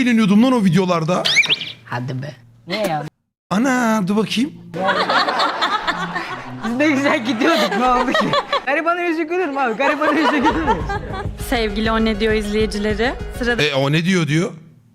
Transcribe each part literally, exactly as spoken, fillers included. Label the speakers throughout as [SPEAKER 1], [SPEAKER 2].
[SPEAKER 1] eğleniyordum lan o videolarda.
[SPEAKER 2] Hadi be. Ne ya?
[SPEAKER 1] Ana dur bakayım.
[SPEAKER 2] Biz ne güzel gidiyorduk, ne oldu ki? Garibanın yüzü gülür mü abi? Garibanın yüzü gülür mü?
[SPEAKER 3] Sevgili O Ne Diyor izleyicileri, sıradaki
[SPEAKER 1] E o ne diyor diyor.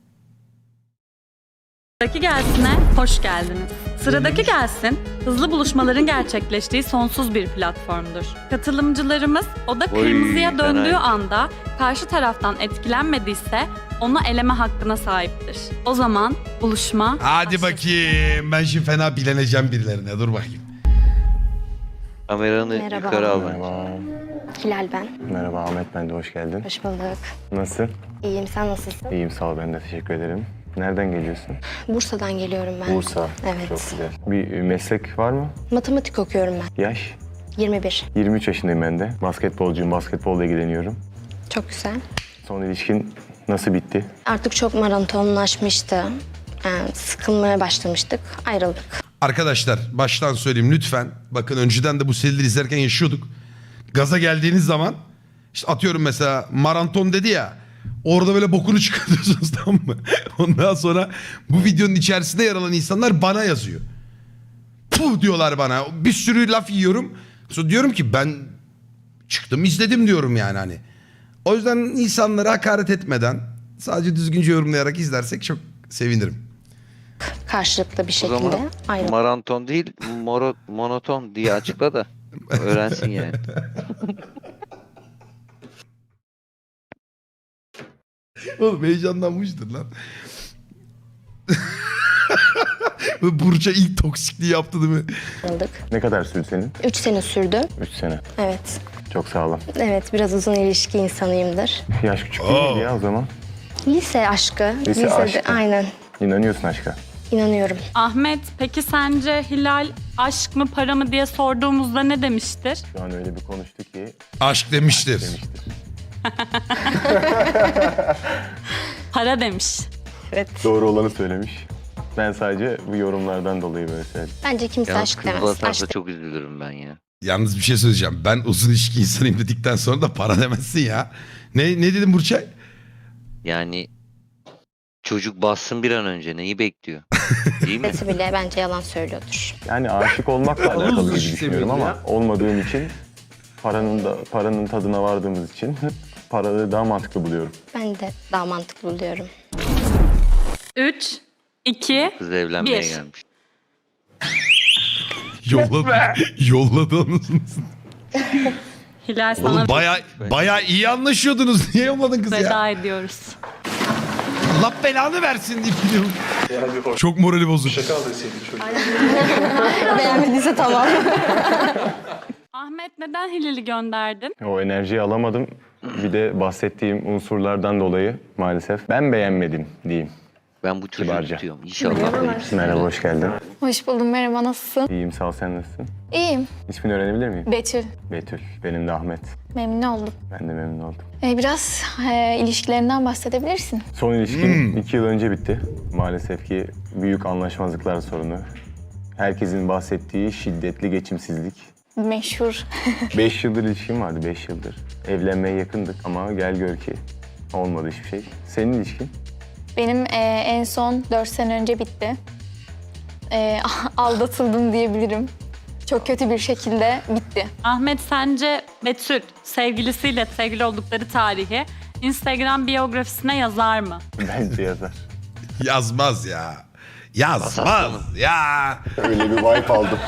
[SPEAKER 3] gelsine hoş geldiniz. Sıradaki gelsin, hızlı buluşmaların gerçekleştiği sonsuz bir platformdur. Katılımcılarımız oda kırmızıya
[SPEAKER 4] Oy,
[SPEAKER 3] döndüğü
[SPEAKER 4] fena.
[SPEAKER 3] anda karşı taraftan etkilenmediyse onu eleme hakkına sahiptir. O zaman buluşma
[SPEAKER 1] Hadi
[SPEAKER 3] başlasın.
[SPEAKER 1] bakayım. Ben şimdi fena bileneceğim birilerine. Dur bakayım.
[SPEAKER 4] Kameranı
[SPEAKER 5] Merhaba.
[SPEAKER 4] yukarı al.
[SPEAKER 6] Merhaba.
[SPEAKER 5] Hilal ben.
[SPEAKER 6] Merhaba Ahmet, ben de hoş geldin.
[SPEAKER 5] Hoş bulduk.
[SPEAKER 6] Nasılsın?
[SPEAKER 5] İyiyim, sen nasılsın?
[SPEAKER 6] İyiyim, sağ ol, ben de teşekkür ederim. Nereden geliyorsun?
[SPEAKER 5] Bursa'dan geliyorum ben.
[SPEAKER 6] Bursa.
[SPEAKER 5] Evet.
[SPEAKER 6] Çok güzel. Bir meslek var mı?
[SPEAKER 5] Matematik okuyorum ben.
[SPEAKER 6] Yaş?
[SPEAKER 5] yirmi bir.
[SPEAKER 6] yirmi üç yaşındayım ben de. Basketbolcuyum, basketbolla ilgileniyorum.
[SPEAKER 5] Çok güzel.
[SPEAKER 6] Son ilişkin nasıl bitti?
[SPEAKER 5] Artık çok maratonlaşmıştı. Yani sıkılmaya başlamıştık. Ayrıldık.
[SPEAKER 1] Arkadaşlar baştan söyleyeyim lütfen. Bakın önceden de bu serileri izlerken yaşıyorduk. Gaza geldiğiniz zaman işte atıyorum mesela maraton dedi ya. Orada böyle bokunu çıkartıyorsunuz, tamam mı? Ondan sonra bu videonun içerisinde yer alan insanlar bana yazıyor. Puh diyorlar bana. Bir sürü laf yiyorum. Sonra diyorum ki ben çıktım izledim diyorum yani hani. O yüzden insanlara hakaret etmeden sadece düzgünce yorumlayarak izlersek çok sevinirim.
[SPEAKER 5] Karşılıklı bir
[SPEAKER 4] O
[SPEAKER 5] şekilde
[SPEAKER 4] zaman
[SPEAKER 5] ayrıldık.
[SPEAKER 4] maraton değil, moro, monoton diye açıkla da öğrensin yani.
[SPEAKER 1] Oğlum heyecanlanmıştır lan. Burça ilk toksikliği yaptı değil mi?
[SPEAKER 5] Ayrıldık.
[SPEAKER 6] Ne kadar sürdü senin?
[SPEAKER 5] Üç sene sürdü.
[SPEAKER 6] Üç sene.
[SPEAKER 5] Evet.
[SPEAKER 6] Çok sağ olun.
[SPEAKER 5] Evet, biraz uzun ilişki insanıyımdır.
[SPEAKER 6] Yaş küçük değil miydi ya o zaman?
[SPEAKER 5] Lise aşkı.
[SPEAKER 6] Lise
[SPEAKER 5] Lisede,
[SPEAKER 6] aşkı.
[SPEAKER 5] aynen.
[SPEAKER 6] İnanıyorsun aşka.
[SPEAKER 5] İnanıyorum.
[SPEAKER 3] Ahmet, peki sence Hilal aşk mı para mı diye sorduğumuzda ne demiştir?
[SPEAKER 6] Şu an öyle bir konuştu ki
[SPEAKER 1] Aşk demiştir.
[SPEAKER 6] demiştir.
[SPEAKER 3] Para demiş.
[SPEAKER 5] Evet.
[SPEAKER 6] Doğru olanı söylemiş. Ben sadece bu yorumlardan dolayı böyle söyledim.
[SPEAKER 5] Bence kimse
[SPEAKER 4] Yalnız
[SPEAKER 5] aşk
[SPEAKER 4] kız
[SPEAKER 5] demez.
[SPEAKER 4] basarsa
[SPEAKER 5] Aşk
[SPEAKER 4] çok üzülürüm ben ya.
[SPEAKER 1] Yalnız bir şey söyleyeceğim. Ben uzun ilişki insanıyım dedikten sonra da para demezsin ya. Ne, ne dedim Burçay?
[SPEAKER 4] Yani çocuk bassın bir an önce neyi bekliyor? Değil mi?
[SPEAKER 5] demesi bile bence yalan söylüyordur.
[SPEAKER 6] Yani aşık olmakla alakalı gibi
[SPEAKER 2] düşük
[SPEAKER 6] düşünüyorum
[SPEAKER 2] seviyede
[SPEAKER 6] ama olmadığım için paranın da paranın tadına vardığımız için paraları daha mantıklı buluyorum.
[SPEAKER 5] Ben de daha mantıklı buluyorum.
[SPEAKER 3] Üç, iki,
[SPEAKER 4] Kız evlenmeye
[SPEAKER 3] Bir.
[SPEAKER 4] gelmiş.
[SPEAKER 1] Yolladı. Yolladı anasını.
[SPEAKER 3] Hilal sana
[SPEAKER 1] Oğlum baya, baya iyi anlaşıyordunuz. Niye yolladın kızı ya?
[SPEAKER 3] veda ediyoruz.
[SPEAKER 1] Allah belanı versin deyip gidiyorum. Çok morali bozuk.
[SPEAKER 5] Beğenmediyse tamam.
[SPEAKER 3] Ahmet, neden Hilal'i gönderdin?
[SPEAKER 6] O enerjiyi alamadım. Bir de bahsettiğim unsurlardan dolayı maalesef ben beğenmedim diyeyim.
[SPEAKER 4] Ben bu çocuğu
[SPEAKER 6] Kibarca.
[SPEAKER 4] tutuyorum. İnşallah böyle bir şey.
[SPEAKER 6] Merhaba, hoş geldin.
[SPEAKER 7] Hoş buldum, merhaba, nasılsın?
[SPEAKER 6] İyiyim, sağ ol, sen nasılsın?
[SPEAKER 7] İyiyim,
[SPEAKER 6] İsmini öğrenebilir miyim?
[SPEAKER 7] Betül.
[SPEAKER 6] Betül, benim de Ahmet.
[SPEAKER 7] Memnun oldum.
[SPEAKER 6] Ben de memnun oldum.
[SPEAKER 7] Ee, biraz e, ilişkilerinden bahsedebilirsin.
[SPEAKER 6] Son ilişkim iki yıl önce bitti. Maalesef ki büyük anlaşmazlıklar sorunu. Herkesin bahsettiği şiddetli geçimsizlik.
[SPEAKER 7] Meşhur.
[SPEAKER 6] Beş yıldır ilişkim vardı, beş yıldır. Evlenmeye yakındık ama gel gör ki olmadı hiçbir şey. Senin ilişkin?
[SPEAKER 7] Benim e, en son dört sene önce bitti. E, aldatıldım diyebilirim. Çok kötü bir şekilde bitti.
[SPEAKER 3] Ahmet, sence Betül sevgilisiyle sevgili oldukları tarihi Instagram biyografisine yazar mı?
[SPEAKER 6] Bence yazar.
[SPEAKER 1] Yazmaz ya. Yazmaz ya.
[SPEAKER 6] Öyle bir vibe aldım.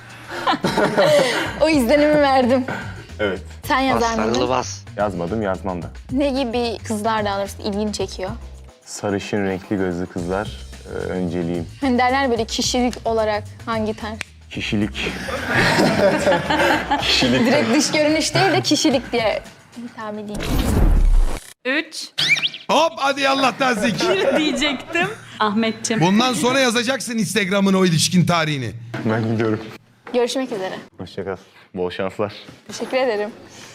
[SPEAKER 7] O izlenimi verdim.
[SPEAKER 6] Evet.
[SPEAKER 7] Sen
[SPEAKER 4] Bas
[SPEAKER 7] yazar
[SPEAKER 4] sarılı
[SPEAKER 7] mıydın?
[SPEAKER 4] bas.
[SPEAKER 6] Yazmadım, yazmam da.
[SPEAKER 7] Ne gibi kızlar daha doğrusu ilgini çekiyor?
[SPEAKER 6] Sarışın renkli gözlü kızlar e, önceliğim.
[SPEAKER 7] Hani derler böyle kişilik olarak hangi tarz?
[SPEAKER 6] Kişilik. Kişilik.
[SPEAKER 7] Direkt dış görünüş değil de kişilik diye hitap edeyim.
[SPEAKER 3] Üç,
[SPEAKER 1] Hop hadi Allah'tan zeki.
[SPEAKER 3] bir diyecektim. Ahmetciğim.
[SPEAKER 1] Bundan sonra yazacaksın Instagram'ın o ilişkin tarihini.
[SPEAKER 6] Ben gidiyorum.
[SPEAKER 7] Görüşmek üzere.
[SPEAKER 6] Hoşça kal. Bol şanslar.
[SPEAKER 7] Teşekkür ederim.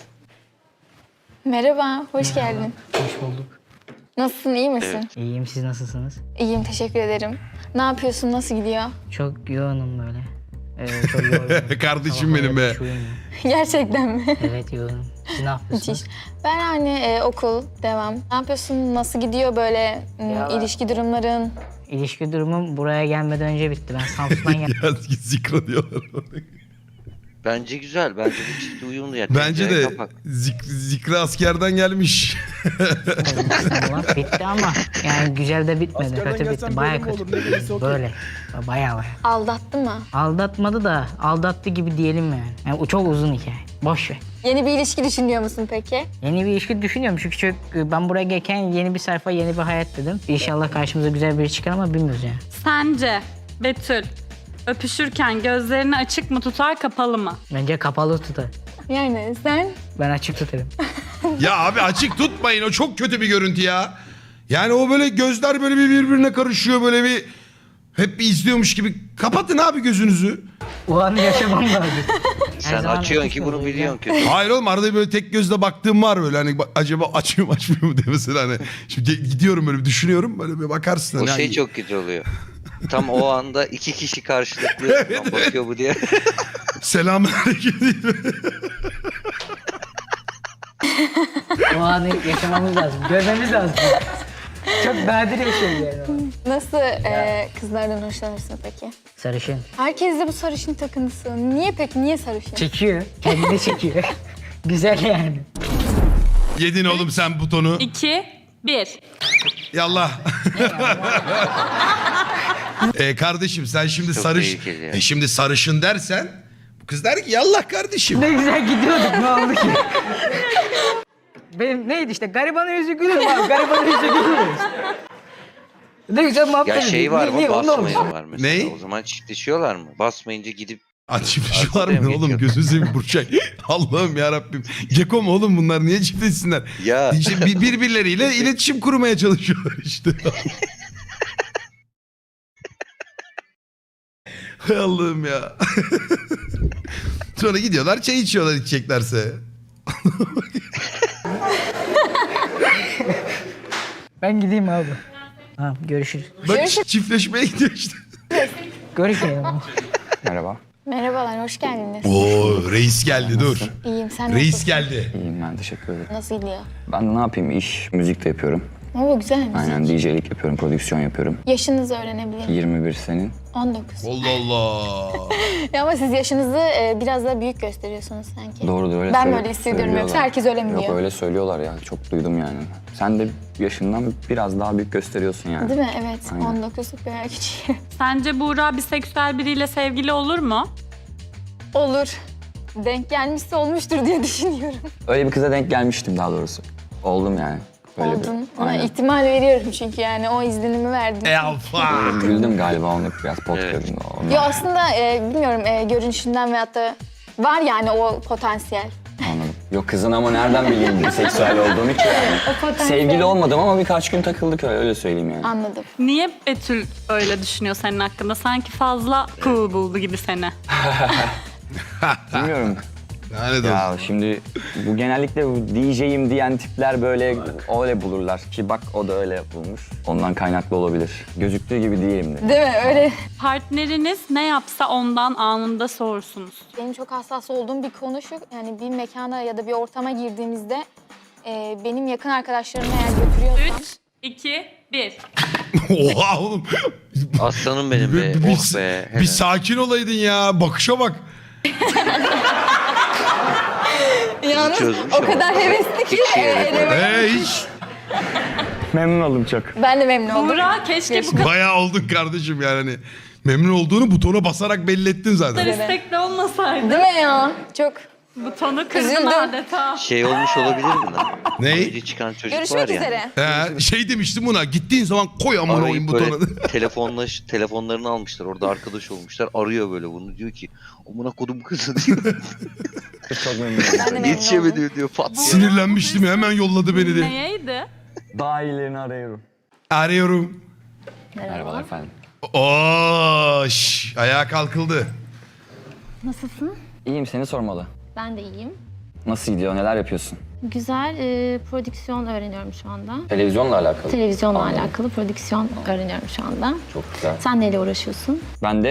[SPEAKER 7] Merhaba, hoş geldin.
[SPEAKER 2] Hoş bulduk.
[SPEAKER 7] Nasılsın, iyi misin?
[SPEAKER 2] İyiyim, siz nasılsınız?
[SPEAKER 7] İyiyim, teşekkür ederim. Ne yapıyorsun, nasıl gidiyor?
[SPEAKER 2] Çok yoğunum böyle. Ee, çok yorgunum.
[SPEAKER 1] Kardeşim
[SPEAKER 2] Sabah
[SPEAKER 1] benim
[SPEAKER 2] böyle
[SPEAKER 1] be.
[SPEAKER 2] hiç uyumuyorum.
[SPEAKER 7] Gerçekten mi?
[SPEAKER 2] Evet yoğunum. Siz ne yapıyorsunuz?
[SPEAKER 7] Müthiş. Ben hani e, okul, devam. Ne yapıyorsun? Nasıl gidiyor böyle m,
[SPEAKER 2] Ya-
[SPEAKER 7] ilişki durumların?
[SPEAKER 2] İlişki durumum buraya gelmeden önce bitti. Ben Samsun'dan geldim.
[SPEAKER 1] Ya zikra diyorlar.
[SPEAKER 4] Bence güzel. Bence bu çift uyumlu ya.
[SPEAKER 1] Bence
[SPEAKER 4] Tencere
[SPEAKER 1] de
[SPEAKER 4] kapak.
[SPEAKER 1] zik, zikra askerden gelmiş.
[SPEAKER 2] İstanbul'a. Bitti ama yani güzel de bitmedi. Kötü bitti. Baya kötü. Böyle. Baya baya.
[SPEAKER 7] Aldattı mı?
[SPEAKER 2] Aldatmadı da aldattı gibi diyelim yani. Yani o çok uzun hikaye. Boş ver.
[SPEAKER 7] Yeni bir ilişki düşünüyor musun peki?
[SPEAKER 2] Yeni bir ilişki düşünüyorum çünkü çok, ben buraya gelirken yeni bir sayfa, yeni bir hayat dedim. İnşallah karşımıza güzel biri çıkar ama bilmiyoruz yani.
[SPEAKER 3] Sence Betül öpüşürken gözlerini açık mı tutar, kapalı mı?
[SPEAKER 2] Bence kapalı tutar.
[SPEAKER 7] Yani sen?
[SPEAKER 2] Ben açık tutarım.
[SPEAKER 1] Ya abi açık tutmayın, o çok kötü bir görüntü ya. Yani o böyle gözler böyle bir birbirine karışıyor, böyle bir hep bir izliyormuş gibi. Kapatın abi gözünüzü.
[SPEAKER 2] O anı yaşamam lazım. Her
[SPEAKER 4] Sen
[SPEAKER 2] zaman
[SPEAKER 4] açıyorsun
[SPEAKER 2] açık
[SPEAKER 4] ki bunu
[SPEAKER 2] olacağım.
[SPEAKER 4] biliyorsun kötü.
[SPEAKER 1] Hayır oğlum, arada böyle tek gözle baktığım var böyle, hani bak- acaba açıyor mu açmıyor mu diye mesela, hani şimdi gidiyorum böyle bir düşünüyorum, böyle bir bakarsın.
[SPEAKER 4] O
[SPEAKER 1] hani
[SPEAKER 4] şey
[SPEAKER 1] hani-
[SPEAKER 4] çok kötü oluyor. Tam o anda iki kişi karşılıklı "Lan bakıyor bu" diye.
[SPEAKER 1] Selamünaleyküm.
[SPEAKER 2] O anı yaşamamız lazım. Görmemiz lazım. Çok nadir bir şey yani.
[SPEAKER 7] Nasıl e, kızlardan hoşlanırsın peki?
[SPEAKER 2] Sarışın.
[SPEAKER 7] Herkes de bu sarışın takıntısı. Niye peki? Niye sarışın?
[SPEAKER 2] Çekiyor. Kendini çekiyor. Güzel yani.
[SPEAKER 1] Yedin oğlum sen butonu.
[SPEAKER 3] iki, bir.
[SPEAKER 1] Yallah. e, kardeşim sen şimdi
[SPEAKER 4] Çok
[SPEAKER 1] sarış
[SPEAKER 4] tehlikeli ya.
[SPEAKER 1] e, şimdi sarışın dersen bu kız der ki yallah kardeşim.
[SPEAKER 2] Ne güzel gidiyorduk, ne oldu ki? Benim neydi işte, garibanın yüzü gülür mü abi? Garibanın yüzü gülür mü? Ne güzel muhabbet
[SPEAKER 4] Ya şey
[SPEAKER 2] ediyoruz.
[SPEAKER 4] var
[SPEAKER 2] Ne-
[SPEAKER 4] mı?
[SPEAKER 2] ne- o ne olmuş?
[SPEAKER 4] Basmayan var mesela.
[SPEAKER 1] Ney?
[SPEAKER 4] O zaman çiftleşiyorlar mı? Basmayınca gidip
[SPEAKER 1] Açmışlar
[SPEAKER 4] Arkada
[SPEAKER 1] mı
[SPEAKER 4] mı
[SPEAKER 1] oğlum,
[SPEAKER 4] geçiyor?
[SPEAKER 1] gözünü seveyim Burçay. Allah'ım ya Rabbim. Geko mu oğlum bunlar, niye çiftleşsinler?
[SPEAKER 4] ya
[SPEAKER 1] İşte bir- birbirleriyle iletişim kurmaya çalışıyorlar işte. Hay Allah'ım ya. Sonra gidiyorlar çay içiyorlar içeceklerse.
[SPEAKER 2] Ben gideyim abi. Tamam, görüşürüz.
[SPEAKER 1] Bak çiftleşmeye gidiyor işte.
[SPEAKER 2] Görüşmeyelim.
[SPEAKER 6] Merhaba.
[SPEAKER 7] Merhabalar, hoş geldiniz.
[SPEAKER 1] Oo reis geldi dur.
[SPEAKER 7] İyiyim, sen
[SPEAKER 1] Reis
[SPEAKER 7] nasılsın?
[SPEAKER 1] geldi.
[SPEAKER 6] İyiyim ben, teşekkür ederim.
[SPEAKER 7] Nasıl gidiyor?
[SPEAKER 6] Ben ne yapayım, iş, müzik de yapıyorum.
[SPEAKER 7] Oo, güzel müzik.
[SPEAKER 6] Aynen D J'lik yapıyorum, prodüksiyon yapıyorum.
[SPEAKER 7] Yaşınızı öğrenebilir miyim?
[SPEAKER 6] yirmi bir senin.
[SPEAKER 7] on dokuz.
[SPEAKER 1] Allah Allah.
[SPEAKER 7] Ya ama siz yaşınızı e, biraz daha büyük gösteriyorsunuz sanki.
[SPEAKER 6] Doğrudur, öyle
[SPEAKER 7] Ben
[SPEAKER 6] söyle-
[SPEAKER 7] böyle hissediyorum,
[SPEAKER 6] söylüyorlar.
[SPEAKER 7] yoksa herkes öyle mi
[SPEAKER 6] Yok
[SPEAKER 7] diyor?
[SPEAKER 6] öyle söylüyorlar ya, çok duydum yani. Sen de yaşından biraz daha büyük gösteriyorsun yani.
[SPEAKER 7] Değil mi? Evet.
[SPEAKER 6] Aynen.
[SPEAKER 7] on dokuzluk bir küçüğüm.
[SPEAKER 3] Sence Buğra biseksüel biriyle sevgili olur mu?
[SPEAKER 7] Olur. Denk gelmişse olmuştur diye düşünüyorum.
[SPEAKER 6] Öyle bir kıza denk gelmiştim daha doğrusu. Oldum yani. Öyle
[SPEAKER 7] Oldun.
[SPEAKER 6] Bir,
[SPEAKER 7] Ona
[SPEAKER 6] aynen.
[SPEAKER 7] ihtimal veriyorum çünkü yani o izlenimi verdin.
[SPEAKER 1] E alfa.
[SPEAKER 6] Güldüm galiba onu biraz pot
[SPEAKER 4] Evet.
[SPEAKER 6] gördüm. Ondan
[SPEAKER 7] Yo aslında e, bilmiyorum e, görünüşünden veyahut da var yani o potansiyel.
[SPEAKER 6] anladım. Yok kızın ama nereden bileyim seksüel olduğunu ki yani.
[SPEAKER 7] O potansiyel.
[SPEAKER 6] Sevgili olmadım ama birkaç gün takıldık öyle, öyle söyleyeyim yani.
[SPEAKER 7] Anladım.
[SPEAKER 3] Niye Betül öyle düşünüyor senin hakkında? Sanki fazla cool buldu gibi seni.
[SPEAKER 6] Bilmiyorum.
[SPEAKER 1] Lanet olsun.
[SPEAKER 6] Ya şimdi bu genellikle bu D J'yim diyen tipler böyle öyle bulurlar ki bak o da öyle bulmuş. Ondan kaynaklı olabilir. Gözüktüğü gibi değilim de.
[SPEAKER 7] Değil mi? Öyle.
[SPEAKER 3] Partneriniz ne yapsa ondan anında sorsunuz.
[SPEAKER 7] Benim çok hassas olduğum bir konu şu. Yani bir mekana ya da bir ortama girdiğimizde e, benim yakın arkadaşlarımı eğer götürüyorsam...
[SPEAKER 3] üç, iki, bir.
[SPEAKER 1] Oha oğlum.
[SPEAKER 4] aslanım benim be.
[SPEAKER 1] Bir, bir,
[SPEAKER 4] Oh be.
[SPEAKER 1] bir sakin olaydın ya. Bakışa bak.
[SPEAKER 7] Yalnız
[SPEAKER 4] çözmüş
[SPEAKER 7] o
[SPEAKER 4] ama.
[SPEAKER 7] kadar hevesli ki.
[SPEAKER 4] Hiç
[SPEAKER 7] e,
[SPEAKER 4] yani.
[SPEAKER 7] eleme-
[SPEAKER 1] Ee hiç.
[SPEAKER 6] Memnun oldum çok.
[SPEAKER 7] Ben de memnun oldum.
[SPEAKER 3] Buğra keşke bu
[SPEAKER 1] Bayağı oldun kardeşim yani. Hani memnun olduğunu butona basarak belli ettin
[SPEAKER 3] kadar
[SPEAKER 1] zaten.
[SPEAKER 3] istekli olmasaydı.
[SPEAKER 7] Değil mi ya? Çok.
[SPEAKER 3] Butonu kırdın
[SPEAKER 7] Üzüldüm.
[SPEAKER 3] adeta.
[SPEAKER 4] Şey olmuş olabilir mi lan?
[SPEAKER 1] Ney?
[SPEAKER 4] Önce çıkan çocuk
[SPEAKER 7] Görüşmek
[SPEAKER 4] var ya.
[SPEAKER 7] üzere.
[SPEAKER 1] He, şey demiştim buna. Gittiğin zaman koy amına oyun
[SPEAKER 4] Arayıp böyle
[SPEAKER 1] butona.
[SPEAKER 4] telefonlaş, telefonlarını almışlar. Orada arkadaş olmuşlar. Arıyor böyle bunu. Diyor ki amına kodum kızı diyor.
[SPEAKER 6] Çok memnun
[SPEAKER 7] Ben de
[SPEAKER 6] oldum.
[SPEAKER 7] memnun oldum.
[SPEAKER 4] Yetişemedi diyor. Pat diye.
[SPEAKER 1] Sinirlenmiştim, hemen yolladı beni de.
[SPEAKER 3] Neydi?
[SPEAKER 6] Daha iyilerini arıyorum.
[SPEAKER 1] Arıyorum.
[SPEAKER 6] Merhabalar efendim.
[SPEAKER 1] Oo, şş, ayağa kalkıldı.
[SPEAKER 8] Nasılsın?
[SPEAKER 6] İyiyim, seni sormalı.
[SPEAKER 8] Ben de iyiyim.
[SPEAKER 6] Nasıl gidiyor, neler yapıyorsun?
[SPEAKER 8] Güzel e, prodüksiyon öğreniyorum şu anda.
[SPEAKER 6] Televizyonla alakalı.
[SPEAKER 8] Televizyonla
[SPEAKER 6] Anladım.
[SPEAKER 8] alakalı prodüksiyon öğreniyorum şu anda.
[SPEAKER 6] Çok güzel.
[SPEAKER 8] Sen neyle uğraşıyorsun?
[SPEAKER 6] Ben de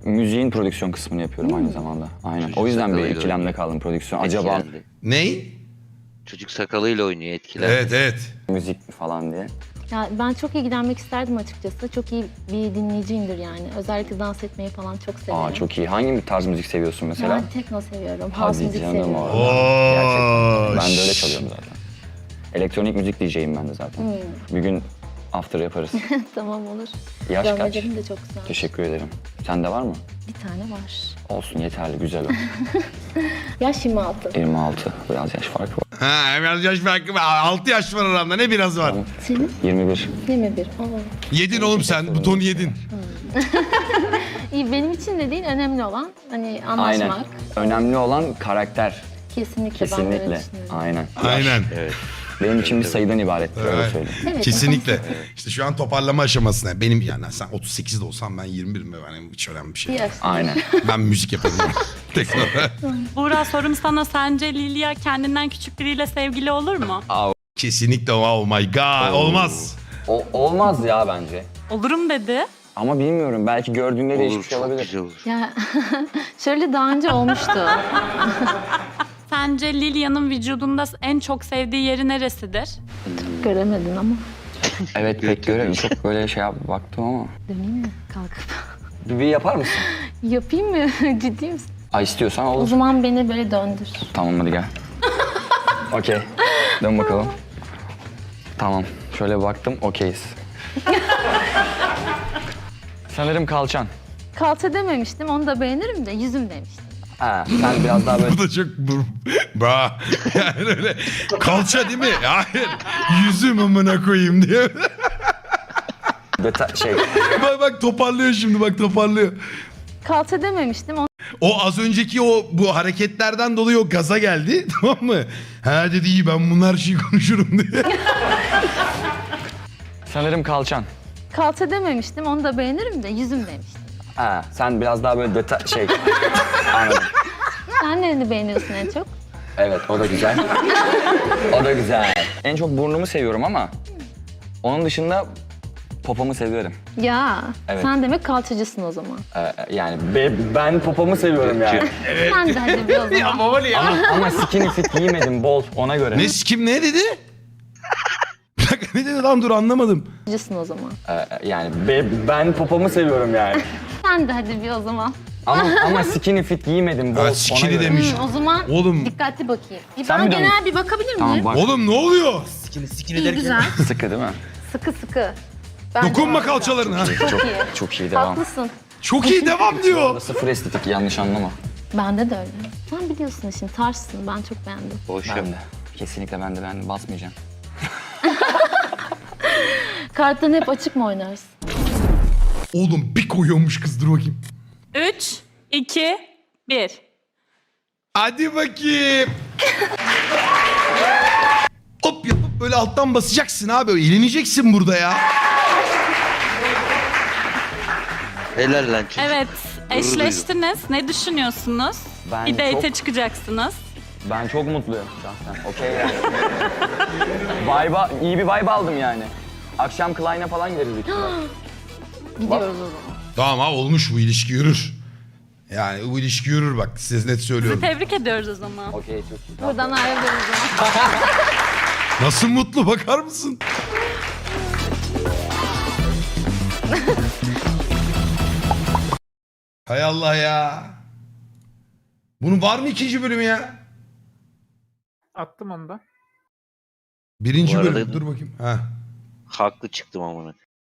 [SPEAKER 6] müziğin prodüksiyon kısmını yapıyorum aynı zamanda. Aynen.
[SPEAKER 4] Çocuk
[SPEAKER 6] O yüzden bir
[SPEAKER 4] sakalıyla
[SPEAKER 6] ikilemde
[SPEAKER 4] oynuyor.
[SPEAKER 6] kaldım prodüksiyon. Acaba
[SPEAKER 4] Etkilendi.
[SPEAKER 1] Ney?
[SPEAKER 4] Çocuk sakalıyla oynuyor etkiler.
[SPEAKER 1] Evet evet.
[SPEAKER 6] müzik mi falan diye.
[SPEAKER 8] Ya ben çok ilgilenmek isterdim açıkçası. Çok iyi bir dinleyiciyimdir yani. Özellikle dans etmeyi falan çok severim.
[SPEAKER 6] Aa çok iyi. Hangi bir tarz müzik seviyorsun mesela?
[SPEAKER 8] Ben tekno seviyorum, house
[SPEAKER 6] Hadi
[SPEAKER 8] müzik
[SPEAKER 6] canım
[SPEAKER 8] seviyorum.
[SPEAKER 6] orada.
[SPEAKER 1] Oo,
[SPEAKER 6] Gerçekten. Ben de öyle
[SPEAKER 1] şş.
[SPEAKER 6] çalıyorum zaten. Elektronik müzik D J'yim ben de zaten.
[SPEAKER 8] Hmm.
[SPEAKER 6] Bir gün after yaparız.
[SPEAKER 8] Tamam olur.
[SPEAKER 6] Yaş kaç?
[SPEAKER 8] Görmelerim de çok güzel.
[SPEAKER 6] Teşekkür ederim. Sende var mı?
[SPEAKER 8] Bir tane var.
[SPEAKER 6] Olsun yeterli, güzel o.
[SPEAKER 8] Yaş yirmi altı.
[SPEAKER 6] yirmi altı. Biraz yaş farkı var.
[SPEAKER 1] Ha, biraz yaş farkı var. altı yaş var aramda. Ne biraz var?
[SPEAKER 8] Senin?
[SPEAKER 6] yirmi bir.
[SPEAKER 8] yirmi bir. Aa.
[SPEAKER 1] Yedin oğlum sen. Butonu yedin.
[SPEAKER 8] İyi, benim için de değil, önemli olan hani anlaşmak.
[SPEAKER 6] Aynen. Önemli olan karakter.
[SPEAKER 8] Kesinlikle, ben böyle
[SPEAKER 6] Kesinlikle.
[SPEAKER 8] düşünüyorum.
[SPEAKER 6] Aynen.
[SPEAKER 1] Aynen.
[SPEAKER 4] Evet.
[SPEAKER 6] Benim için bir sayıdan ibarettir öyle
[SPEAKER 1] Evet.
[SPEAKER 6] söyleyeyim.
[SPEAKER 8] Evet,
[SPEAKER 1] Kesinlikle. İşte şu an toparlama aşamasına. Benim yani sen otuz sekizde olsam ben yirmi birim. Yani hiç önemli bir şey.
[SPEAKER 8] Bir
[SPEAKER 1] değil.
[SPEAKER 8] yaş.
[SPEAKER 6] Aynen.
[SPEAKER 1] Ben müzik yapabilirim. Tekno.
[SPEAKER 3] Buğra, sorum sana, sence Lilia kendinden küçük biriyle sevgili olur mu?
[SPEAKER 1] Kesinlikle oh my god. Olmaz.
[SPEAKER 6] O, olmaz ya bence.
[SPEAKER 3] Olurum dedi.
[SPEAKER 6] Ama bilmiyorum. Belki gördüğünde
[SPEAKER 4] Olur,
[SPEAKER 6] değişmiş
[SPEAKER 4] çok
[SPEAKER 6] olabilir.
[SPEAKER 4] güzel olur.
[SPEAKER 8] Ya şöyle daha önce olmuştu.
[SPEAKER 3] Sence Lilia'nın vücudunda en çok sevdiği yeri neresidir?
[SPEAKER 8] Göremedin ama.
[SPEAKER 6] Evet pek görelim. Çok böyle şey yap baktım ama.
[SPEAKER 8] Döneyim mi kalkıp?
[SPEAKER 6] Bir, bir yapar mısın?
[SPEAKER 8] Yapayım mı? Ciddi misin?
[SPEAKER 6] Ay istiyorsan
[SPEAKER 8] O
[SPEAKER 6] olur.
[SPEAKER 8] zaman beni böyle döndür.
[SPEAKER 6] Tamam hadi gel. Okey. Dön bakalım. Tamam. Şöyle baktım. Okeyiz. Sanırım kalçan.
[SPEAKER 8] Kalça dememiştim, onu da beğenirim de yüzüm demiştim.
[SPEAKER 6] Ha, sen biraz daha böyle
[SPEAKER 1] Bu da çok bra. Yani öyle kalça değil mi? Hayır. Yüzüm amına koyayım diye.
[SPEAKER 6] deta- şey.
[SPEAKER 1] bak bak toparlıyor şimdi bak toparlıyor.
[SPEAKER 8] Kalça dememiştim, onu
[SPEAKER 1] O az önceki o bu hareketlerden dolayı o gaza geldi tamam mı? Ha dedi iyi ben bunlar her şeyi konuşurum diye.
[SPEAKER 6] Sanırım kalçan.
[SPEAKER 8] kalça dememiştim, onu da beğenirim de yüzüm demiştim.
[SPEAKER 6] Ha, sen biraz daha böyle deta- şey. Anladım.
[SPEAKER 8] Sen nereni beğeniyorsun en çok?
[SPEAKER 6] Evet, o da güzel. O da güzel. En çok burnumu seviyorum ama onun dışında popomu seviyorum.
[SPEAKER 8] Ya,
[SPEAKER 6] Evet.
[SPEAKER 8] sen demek kalçacısın o zaman.
[SPEAKER 6] Ee, yani be- ben popomu seviyorum yani.
[SPEAKER 8] Sen de hadi bir o zaman.
[SPEAKER 6] ama, ama skinny fit giymedim bol ona göre.
[SPEAKER 1] Ne kim ne dedi? Bir dakika ne dedi lan dur anlamadım.
[SPEAKER 8] Kalçacısın o zaman.
[SPEAKER 6] Ee, yani be- ben popomu seviyorum yani.
[SPEAKER 8] Sen de hadi bir o zaman.
[SPEAKER 6] Ama ama skinny fit giymedim bol
[SPEAKER 1] Ha,
[SPEAKER 6] ona
[SPEAKER 1] skinny
[SPEAKER 6] göre.
[SPEAKER 1] demiş.
[SPEAKER 8] Hı, o zaman
[SPEAKER 1] Oğlum.
[SPEAKER 8] dikkatli bakayım. Bir
[SPEAKER 6] Sen
[SPEAKER 8] bana
[SPEAKER 6] bir dön.
[SPEAKER 8] genel bir bakabilir miyim?
[SPEAKER 6] Tamam bak
[SPEAKER 1] Oğlum ne oluyor?
[SPEAKER 8] İyi, güzel.
[SPEAKER 6] sıkı değil mi?
[SPEAKER 8] Sıkı sıkı. Bence
[SPEAKER 1] Dokunma
[SPEAKER 8] harika.
[SPEAKER 1] kalçalarına.
[SPEAKER 8] Çok
[SPEAKER 6] Çok
[SPEAKER 8] iyi.
[SPEAKER 6] çok iyi devam.
[SPEAKER 8] Haklısın.
[SPEAKER 1] Çok iyi devam diyor.
[SPEAKER 6] Sıfır estetik yanlış anlama.
[SPEAKER 8] Bende de öyle. Sen biliyorsun işin, tarzsın. Ben çok beğendim.
[SPEAKER 4] Boş
[SPEAKER 6] Ben
[SPEAKER 4] yap.
[SPEAKER 6] de. Kesinlikle ben de ben de basmayacağım.
[SPEAKER 8] Kartlarını hep açık mı oynarsın?
[SPEAKER 1] Oğlum bir koyuyormuş kız dur bakayım.
[SPEAKER 3] üç, iki, bir.
[SPEAKER 1] Hadi bakayım. Hop yapıp böyle alttan basacaksın abi. Eğleneceksin burada ya.
[SPEAKER 4] Helal lan çocuk.
[SPEAKER 3] Evet, eşleştiniz. Ne düşünüyorsunuz?
[SPEAKER 6] Ben
[SPEAKER 3] bir date'e
[SPEAKER 6] çok-
[SPEAKER 3] çıkacaksınız.
[SPEAKER 6] Ben çok mutluyum şahsen. Okey yani. Vibe'a, iyi bir vibe aldım yani. Akşam Klein'e falan gideriz büyük ihtimalle.
[SPEAKER 8] Gidiyoruz o zaman.
[SPEAKER 1] Tamam abi olmuş bu ilişki yürür. Yani bu ilişki yürür bak size net söylüyorum.
[SPEAKER 3] Tebrik ediyoruz o zaman.
[SPEAKER 6] Okey çok iyi.
[SPEAKER 8] Buradan ayrılıyoruz o zaman.
[SPEAKER 1] Nasıl mutlu bakar mısın? Hay Allah ya. Bunun var mı ikinci bölümü ya?
[SPEAKER 9] Attım onu da.
[SPEAKER 1] Birinci
[SPEAKER 4] Bu arada-
[SPEAKER 1] bölüm. Dur bakayım. Ha.
[SPEAKER 4] Haklı çıktım amına.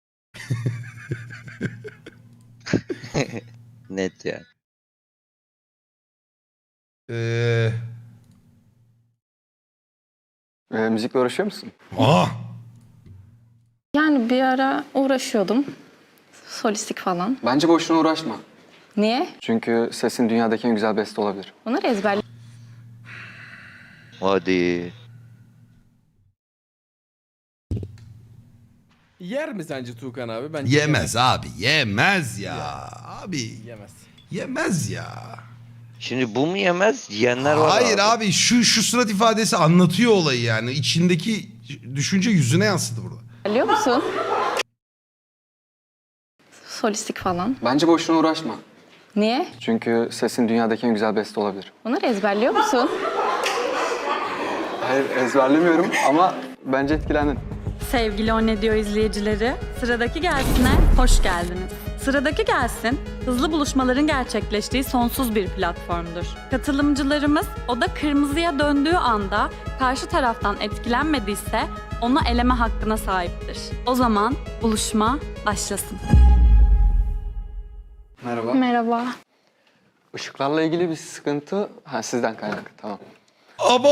[SPEAKER 4] Net yani.
[SPEAKER 1] Ee...
[SPEAKER 10] Ee, müzikle uğraşıyor musun?
[SPEAKER 1] Aa.
[SPEAKER 5] Yani bir ara uğraşıyordum. Solistik falan.
[SPEAKER 10] Bence boşuna uğraşma.
[SPEAKER 5] Niye?
[SPEAKER 10] Çünkü sesin dünyadaki en güzel beste olabilir.
[SPEAKER 5] Bunları ezberledim.
[SPEAKER 4] Hadi.
[SPEAKER 9] Yer mi sence Tuğkan abi? Bence
[SPEAKER 1] Yemez abi. Yemez ya. Abi
[SPEAKER 9] Yemez.
[SPEAKER 1] yemez ya.
[SPEAKER 4] Şimdi bu mu yemez? Yiyenler var
[SPEAKER 1] Hayır
[SPEAKER 4] abi.
[SPEAKER 1] abi şu şu surat ifadesi anlatıyor olayı yani. İçindeki düşünce yüzüne yansıdı burada.
[SPEAKER 5] Biliyor musun? Solistik falan.
[SPEAKER 10] Bence boşuna uğraşma.
[SPEAKER 8] Niye?
[SPEAKER 10] Çünkü sesin dünyadaki en güzel beste olabilir.
[SPEAKER 8] Bunları ezberliyor musun?
[SPEAKER 10] Hayır, ezberlemiyorum ama bence etkilendin.
[SPEAKER 3] Sevgili O Ne Diyor izleyicileri, Sıradaki Gelsin'e hoş geldiniz. Sıradaki Gelsin, hızlı buluşmaların gerçekleştiği sonsuz bir platformdur. Katılımcılarımız oda kırmızıya döndüğü anda karşı taraftan etkilenmediyse onu eleme hakkına sahiptir. O zaman buluşma başlasın.
[SPEAKER 10] Merhaba.
[SPEAKER 7] Merhaba.
[SPEAKER 10] Işıklarla ilgili bir sıkıntı... Ha, sizden kaynaklı, tamam.
[SPEAKER 1] Abo!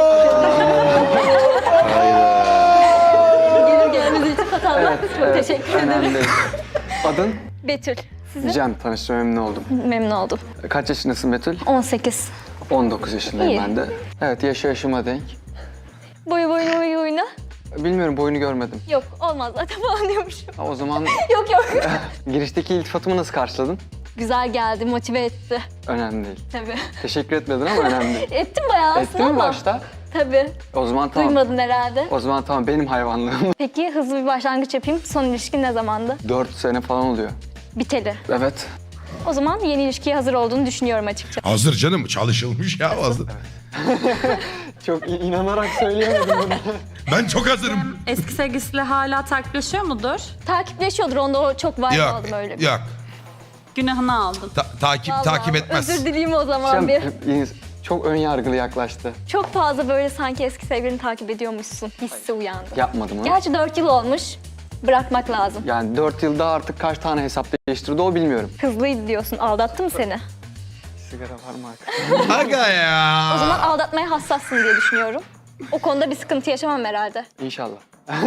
[SPEAKER 7] Gelir gelmez iltifat almak.
[SPEAKER 10] Evet,
[SPEAKER 7] Çok
[SPEAKER 10] evet,
[SPEAKER 7] teşekkür ederim.
[SPEAKER 10] önemli değil. Adın?
[SPEAKER 7] Betül. Sizin?
[SPEAKER 10] Cem, tanıştığıma memnun oldum.
[SPEAKER 7] Memnun oldum.
[SPEAKER 10] Kaç yaşındasın Betül?
[SPEAKER 7] on sekiz.
[SPEAKER 10] on dokuz yaşındayım
[SPEAKER 7] İyi.
[SPEAKER 10] ben de. Evet, yaşı yaşıma denk.
[SPEAKER 7] Boyu boyuna boyu boyuna.
[SPEAKER 10] Bilmiyorum, boyunu görmedim.
[SPEAKER 7] Yok olmaz zaten falan diyormuşum.
[SPEAKER 10] Ha, o zaman
[SPEAKER 7] Yok yok.
[SPEAKER 10] girişteki iltifatımı nasıl karşıladın?
[SPEAKER 7] Güzel geldi, motive etti.
[SPEAKER 10] Önemli değil.
[SPEAKER 7] Tabii.
[SPEAKER 10] Teşekkür etmedin ama önemli değil.
[SPEAKER 7] Ettim bayağı aslında
[SPEAKER 10] Ettin mi
[SPEAKER 7] ama.
[SPEAKER 10] başta?
[SPEAKER 7] Tabii.
[SPEAKER 10] O zaman tamam.
[SPEAKER 7] Duymadın herhalde.
[SPEAKER 10] O zaman tamam, benim hayvanlığım.
[SPEAKER 7] Peki hızlı bir başlangıç yapayım. Son ilişkin ne zamandı?
[SPEAKER 10] Dört sene falan oluyor.
[SPEAKER 7] Biteli.
[SPEAKER 10] Evet.
[SPEAKER 7] O zaman yeni ilişkiye hazır olduğunu düşünüyorum açıkçası.
[SPEAKER 1] Hazır canım, çalışılmış ya hazır.
[SPEAKER 10] Çok i- inanarak söyleyemedim bunu.
[SPEAKER 1] Ben çok hazırım.
[SPEAKER 3] Eski sevgilisiyle hala takipleşiyor mudur?
[SPEAKER 7] Takipleşiyordur, onda o çok vibe
[SPEAKER 1] Yok,
[SPEAKER 7] aldım öyle.
[SPEAKER 1] yok.
[SPEAKER 3] Günahını aldın.
[SPEAKER 1] Ta- takip
[SPEAKER 7] Vallahi
[SPEAKER 1] takip etmez.
[SPEAKER 7] Özür dileyim o zaman
[SPEAKER 10] Cem,
[SPEAKER 7] bir.
[SPEAKER 10] e, çok ön yargılı yaklaştı.
[SPEAKER 7] Çok fazla böyle sanki eski sevgilini takip ediyormuşsun hissi uyandı.
[SPEAKER 10] Yapmadım onu.
[SPEAKER 7] Gerçi dört yıl olmuş. Bırakmak lazım.
[SPEAKER 10] Yani dört yılda artık kaç tane hesap değiştirdi o bilmiyorum.
[SPEAKER 7] Hızlıydı diyorsun. Aldattı mı seni?
[SPEAKER 10] Sigara var mı arkadaşlar?
[SPEAKER 1] Aga ya.
[SPEAKER 7] O zaman aldatmaya hassassın diye düşünüyorum. O konuda bir sıkıntı yaşamam herhalde.
[SPEAKER 10] İnşallah.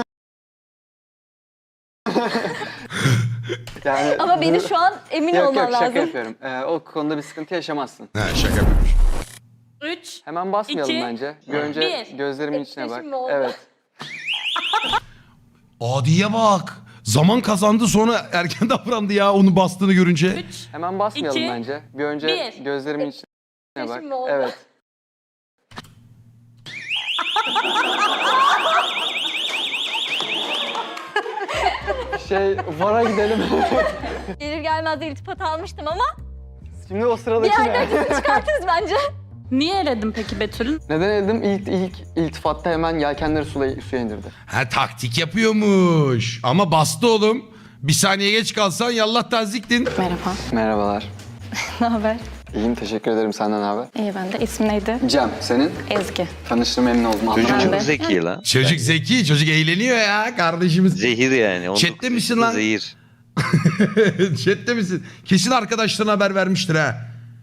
[SPEAKER 10] yani
[SPEAKER 7] Ama beni
[SPEAKER 10] bunu-
[SPEAKER 7] şu an emin
[SPEAKER 10] Yok
[SPEAKER 7] olman
[SPEAKER 10] yok şaka
[SPEAKER 7] lazım.
[SPEAKER 10] yapıyorum. Ee, o konuda bir sıkıntı yaşamazsın.
[SPEAKER 1] Ha, şaka yapıyormuş.
[SPEAKER 3] Üç.
[SPEAKER 10] Hemen basmayalım
[SPEAKER 3] İki,
[SPEAKER 10] bence. Bir önce
[SPEAKER 3] bir.
[SPEAKER 10] gözlerimin içine bak.
[SPEAKER 7] Etkileşim mi oldu?
[SPEAKER 10] Evet.
[SPEAKER 1] Adiye bak. Zaman kazandı sonra erken davrandı ya onu bastığını görünce.
[SPEAKER 3] Üç.
[SPEAKER 10] Hemen basmayalım
[SPEAKER 3] İki,
[SPEAKER 10] bence. Bir önce
[SPEAKER 3] bir.
[SPEAKER 10] gözlerimin içine bak.
[SPEAKER 7] Etkileşim mi oldu?
[SPEAKER 10] Evet. şey, vara gidelim.
[SPEAKER 7] Gelir gelmez de iltifat almıştım ama
[SPEAKER 10] Şimdi o
[SPEAKER 7] bir
[SPEAKER 10] sıradaki
[SPEAKER 7] yerden
[SPEAKER 10] ne?
[SPEAKER 7] kesin çıkartırız bence.
[SPEAKER 3] Niye eledin peki Betül'ün?
[SPEAKER 10] Neden eldim? İlk, ilk iltifatta hemen yelkenleri suya, suya indirdi.
[SPEAKER 1] Ha taktik yapıyormuş. Ama bastı oğlum. Bir saniye geç kalsan yallah taziktin.
[SPEAKER 8] Merhaba.
[SPEAKER 10] Merhabalar.
[SPEAKER 8] Ne haber?
[SPEAKER 10] İyiyim, teşekkür ederim. Senden ne haber?
[SPEAKER 8] İyi ben de. İsmin neydi?
[SPEAKER 10] Cem, senin?
[SPEAKER 8] Ezgi.
[SPEAKER 10] Tanıştığıma memnun oldum.
[SPEAKER 4] Çocuk
[SPEAKER 8] Ben
[SPEAKER 4] çok
[SPEAKER 8] de.
[SPEAKER 4] zeki lan.
[SPEAKER 1] Çocuk zeki, çocuk eğleniyor ya kardeşimiz.
[SPEAKER 4] Zehir yani. on
[SPEAKER 1] Chatte
[SPEAKER 4] dokuz
[SPEAKER 1] misin
[SPEAKER 4] yaşında
[SPEAKER 1] lan?
[SPEAKER 4] Zehir.
[SPEAKER 1] Chat'te misin? Kesin arkadaşlarına haber vermiştir ha.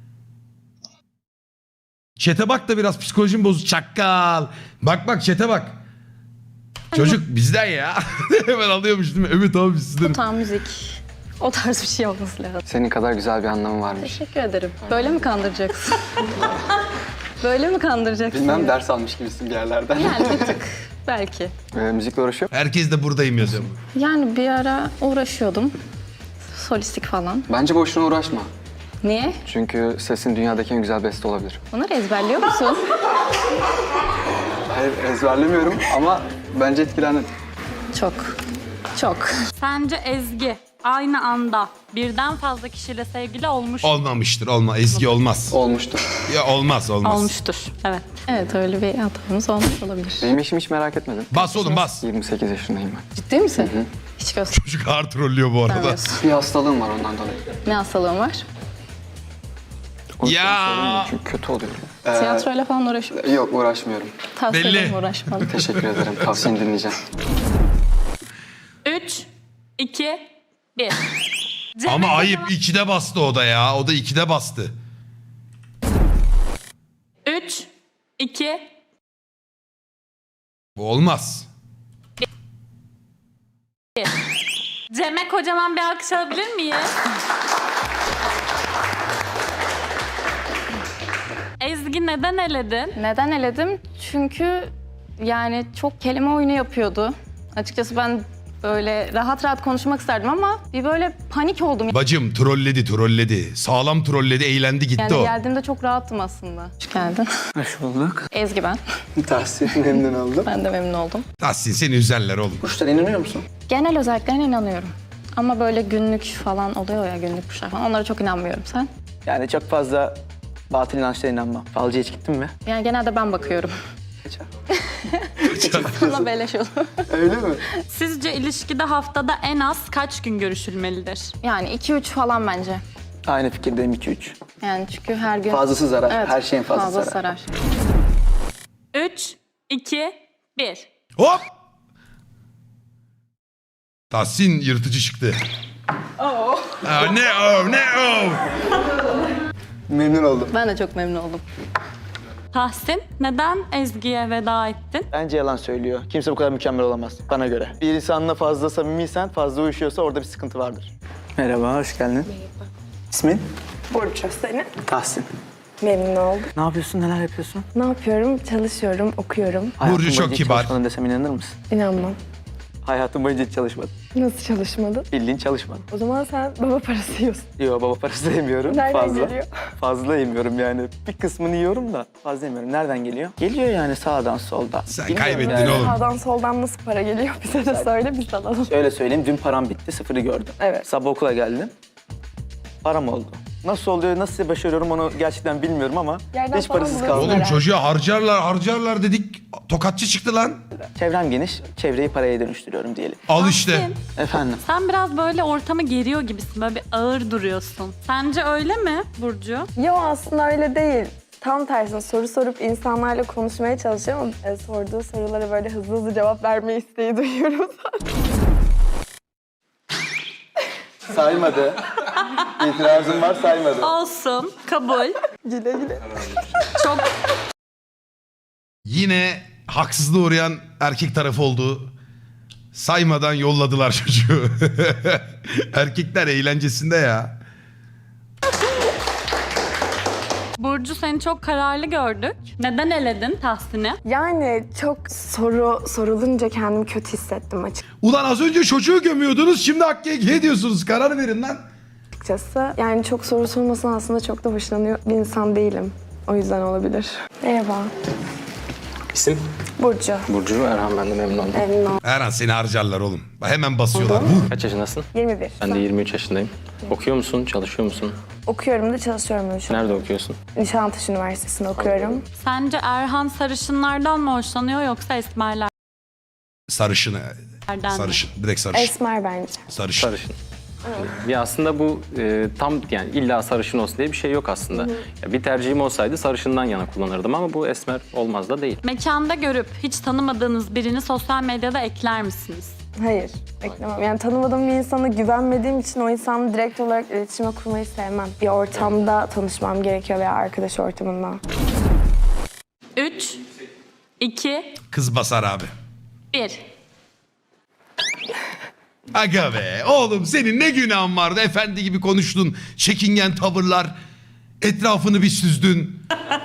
[SPEAKER 1] Chat'e bak da biraz psikolojim bozuk. Çakkal. Bak bak chat'e bak. Çocuk bizden ya. Hemen alıyormuş değil mi? Evet abi sizden.
[SPEAKER 8] Tam müzik. O tarz bir şey olması lazım.
[SPEAKER 10] Senin kadar güzel bir anlamı varmış.
[SPEAKER 8] Teşekkür ederim. Böyle mi kandıracaksın? Böyle mi kandıracaksın?
[SPEAKER 10] Bilmem, ders almış gibisin bir yerlerden.
[SPEAKER 8] Yani bir tık. Belki.
[SPEAKER 10] Ee, müzikle uğraşıyor musun?
[SPEAKER 1] Herkes de buradayım yazıyor.
[SPEAKER 8] Yani bir ara uğraşıyordum. Solistik falan.
[SPEAKER 10] Bence boşuna uğraşma.
[SPEAKER 8] Niye?
[SPEAKER 10] Çünkü sesin dünyadaki en güzel beste olabilir.
[SPEAKER 8] Bunları ezberliyor musun?
[SPEAKER 10] Hayır, ezberlemiyorum ama bence etkilendin.
[SPEAKER 8] Çok. Çok.
[SPEAKER 3] Sence Ezgi aynı anda birden fazla kişiyle sevgili olmuş
[SPEAKER 1] Olmamıştır. Olma. Ezgi olmaz.
[SPEAKER 10] Olmuştur.
[SPEAKER 1] Ya olmaz olmaz.
[SPEAKER 3] olmuştur. Evet.
[SPEAKER 8] Evet öyle bir hatamız olmuş olabilir.
[SPEAKER 10] Benim işimi hiç merak etmedin.
[SPEAKER 1] Bas oğlum bas.
[SPEAKER 10] yirmi sekiz yaşındayım ben.
[SPEAKER 8] Ciddi misin? Hiç
[SPEAKER 1] Çocuk ağır trollüyor bu arada.
[SPEAKER 8] göstermiyorsun.
[SPEAKER 10] Bir hastalığım var ondan dolayı.
[SPEAKER 8] Ne hastalığın var?
[SPEAKER 10] O yüzden
[SPEAKER 1] Ya.
[SPEAKER 10] söylemiyorum çünkü kötü oluyor. Ee,
[SPEAKER 8] Tiyatroyla falan uğraşıyor.
[SPEAKER 10] Yok, uğraşmıyorum.
[SPEAKER 8] Tavsiye
[SPEAKER 1] belli.
[SPEAKER 8] ederim uğraşmalı.
[SPEAKER 10] Teşekkür ederim. Tavsiyeni dinleyeceğim.
[SPEAKER 3] Üç, iki, bir.
[SPEAKER 1] Ama ayıp ikide bastı o da ya. O da ikide bastı.
[SPEAKER 3] Üç, iki,
[SPEAKER 1] Bu olmaz.
[SPEAKER 3] bir. Cem'e kocaman bir alkış alabilir miyiz? Ezgi neden eledin?
[SPEAKER 8] Neden eledim? Çünkü yani çok kelime oyunu yapıyordu. Açıkçası ben böyle rahat rahat konuşmak isterdim ama bir böyle panik oldum.
[SPEAKER 1] Bacım trolledi trolledi. Sağlam trolledi eğlendi gitti
[SPEAKER 8] Yani
[SPEAKER 1] o.
[SPEAKER 8] geldiğimde çok rahattım aslında. Hoş geldin.
[SPEAKER 10] Hoş bulduk.
[SPEAKER 8] Ezgi ben.
[SPEAKER 10] Tavsiyen memnun oldum.
[SPEAKER 8] Ben de memnun oldum.
[SPEAKER 1] Tahsin seni üzerler oğlum.
[SPEAKER 10] Kuşlara inanıyor musun?
[SPEAKER 8] Genel özelliklerine inanıyorum. Ama böyle günlük falan oluyor ya, günlük kuşlar falan. Onlara çok inanmıyorum. Sen?
[SPEAKER 10] Yani çok fazla batıl inançlara inanmam. Falcıya hiç gittin mi?
[SPEAKER 8] Yani genelde ben bakıyorum.
[SPEAKER 10] Kaçar.
[SPEAKER 8] Bana beleş olur.
[SPEAKER 10] Öyle mi?
[SPEAKER 3] Sizce ilişkide haftada en az kaç gün görüşülmelidir?
[SPEAKER 8] Yani iki üç falan bence.
[SPEAKER 10] Aynı fikirdeyim iki üç.
[SPEAKER 8] Yani çünkü her gün...
[SPEAKER 10] Fazlası zarar.
[SPEAKER 8] Evet,
[SPEAKER 10] Her şeyin fazlası
[SPEAKER 8] fazla
[SPEAKER 10] zarar.
[SPEAKER 8] sarar.
[SPEAKER 3] üç, iki, bir.
[SPEAKER 1] Hop! Tahsin yırtıcı çıktı. Oh. Aa, ne o ne o.
[SPEAKER 10] Memnun oldum.
[SPEAKER 8] Ben de çok memnun oldum.
[SPEAKER 3] Tahsin, neden Ezgi'ye veda ettin?
[SPEAKER 10] Bence yalan söylüyor. Kimse bu kadar mükemmel olamaz bana göre. Bir insanla fazla samimiysen, fazla uyuşuyorsa orada bir sıkıntı vardır. Merhaba, hoş geldin. Merhaba. İsmin?
[SPEAKER 11] Burcu, senin?
[SPEAKER 10] Tahsin.
[SPEAKER 11] Memnun oldum.
[SPEAKER 10] Ne yapıyorsun, neler yapıyorsun?
[SPEAKER 11] Ne yapıyorum? Çalışıyorum, okuyorum.
[SPEAKER 10] Hayatın
[SPEAKER 1] çok
[SPEAKER 10] boyunca hiç
[SPEAKER 1] kibar.
[SPEAKER 10] çalışmadın desem inanır mısın?
[SPEAKER 11] İnanmam.
[SPEAKER 10] Hayatım boyunca hiç çalışmadım.
[SPEAKER 11] Nasıl çalışmadın?
[SPEAKER 10] Bildiğin çalışmadım.
[SPEAKER 11] O zaman sen baba parası yiyorsun.
[SPEAKER 10] Yok, baba parası da yemiyorum.
[SPEAKER 11] Nereden
[SPEAKER 10] fazla.
[SPEAKER 11] geliyor?
[SPEAKER 10] Fazla yemiyorum yani. Bir kısmını yiyorum da fazla yemiyorum. Nereden geliyor? Geliyor yani sağdan soldan.
[SPEAKER 1] Sen
[SPEAKER 10] Bilmiyorum
[SPEAKER 1] kaybettin
[SPEAKER 10] yani.
[SPEAKER 1] oğlum.
[SPEAKER 11] Sağdan soldan nasıl para geliyor? Bize de söyle, biz alalım.
[SPEAKER 10] Şöyle söyleyeyim, dün param bitti, sıfırı gördüm.
[SPEAKER 11] Evet.
[SPEAKER 10] Sabah okula geldim, param oldu. Nasıl oluyor, nasıl başarıyorum onu gerçekten bilmiyorum ama
[SPEAKER 11] Yerden
[SPEAKER 10] hiç
[SPEAKER 11] falan
[SPEAKER 10] parasız
[SPEAKER 11] buluyorsun
[SPEAKER 10] kaldım.
[SPEAKER 1] Oğlum
[SPEAKER 11] herhalde.
[SPEAKER 1] çocuğa harcarlar harcarlar dedik. Tokatçı çıktı lan.
[SPEAKER 10] Çevrem geniş, çevreyi paraya dönüştürüyorum diyelim.
[SPEAKER 1] Al işte.
[SPEAKER 3] Tahsin,
[SPEAKER 10] Efendim?
[SPEAKER 3] sen biraz böyle ortamı geriyor gibisin. Böyle bir ağır duruyorsun. Sence öyle mi Burcu?
[SPEAKER 11] Yo, aslında öyle değil. Tam tersine soru sorup insanlarla konuşmaya çalışıyorum ama e, sorduğu sorulara böyle hızlı hızlı cevap verme isteği duyuyorum zaten.
[SPEAKER 10] Saymadı. İtirazım var, saymadı.
[SPEAKER 3] Olsun, kabul.
[SPEAKER 11] Güle güle.
[SPEAKER 3] Çok
[SPEAKER 1] Yine haksızlığa uğrayan erkek tarafı oldu. Saymadan yolladılar çocuğu. Erkekler eğlencesinde ya.
[SPEAKER 3] Burcu, seni çok kararlı gördük. Neden eledin Tahsin'i?
[SPEAKER 11] Yani çok soru sorulunca kendimi kötü hissettim
[SPEAKER 1] Ulan az önce çocuğu gömüyordunuz, şimdi Hakkı'ya diyorsunuz. Karar verin lan.
[SPEAKER 11] açıkçası. Yani çok soru sormasına aslında çok da hoşlanıyor bir insan değilim. O yüzden olabilir. Merhaba.
[SPEAKER 10] İsim?
[SPEAKER 11] Burcu.
[SPEAKER 10] Burcu Erhan, ben de memnun oldum.
[SPEAKER 11] Memnun oldum.
[SPEAKER 1] Her an seni harcarlar oğlum. Hemen basıyorlar. Vur.
[SPEAKER 10] Kaç yaşındasın?
[SPEAKER 11] yirmi bir.
[SPEAKER 10] Ben de yirmi üç yaşındayım. Okuyor musun, çalışıyor musun?
[SPEAKER 11] Okuyorum da çalışıyorum da şu an.
[SPEAKER 10] Nerede okuyorsun?
[SPEAKER 11] Nişantaşı Üniversitesi'nde okuyorum.
[SPEAKER 3] Sence Erhan sarışınlardan mı hoşlanıyor yoksa esmerlerden
[SPEAKER 1] Sarışın.
[SPEAKER 3] mi?
[SPEAKER 1] Sarışın. Direkt sarışın.
[SPEAKER 11] Esmer bence.
[SPEAKER 1] Sarışın.
[SPEAKER 12] Sarışın. Ya aslında bu e, tam yani illa sarışın olsun diye bir şey yok aslında. Ya bir tercihim olsaydı sarışından yana kullanırdım ama bu esmer olmaz da değil.
[SPEAKER 3] Mekanda görüp hiç tanımadığınız birini sosyal medyada ekler misiniz?
[SPEAKER 11] Hayır, beklemem. Yani tanımadığım bir insana güvenmediğim için o insanla direkt olarak iletişime kurmayı sevmem. Bir ortamda tanışmam gerekiyor veya arkadaş ortamında.
[SPEAKER 3] üç, iki,
[SPEAKER 1] Kız basar abi.
[SPEAKER 3] bir.
[SPEAKER 1] Aga be oğlum, senin ne günahın vardı, efendi gibi konuştun. Çekingen tavırlar. Etrafını bir süzdün.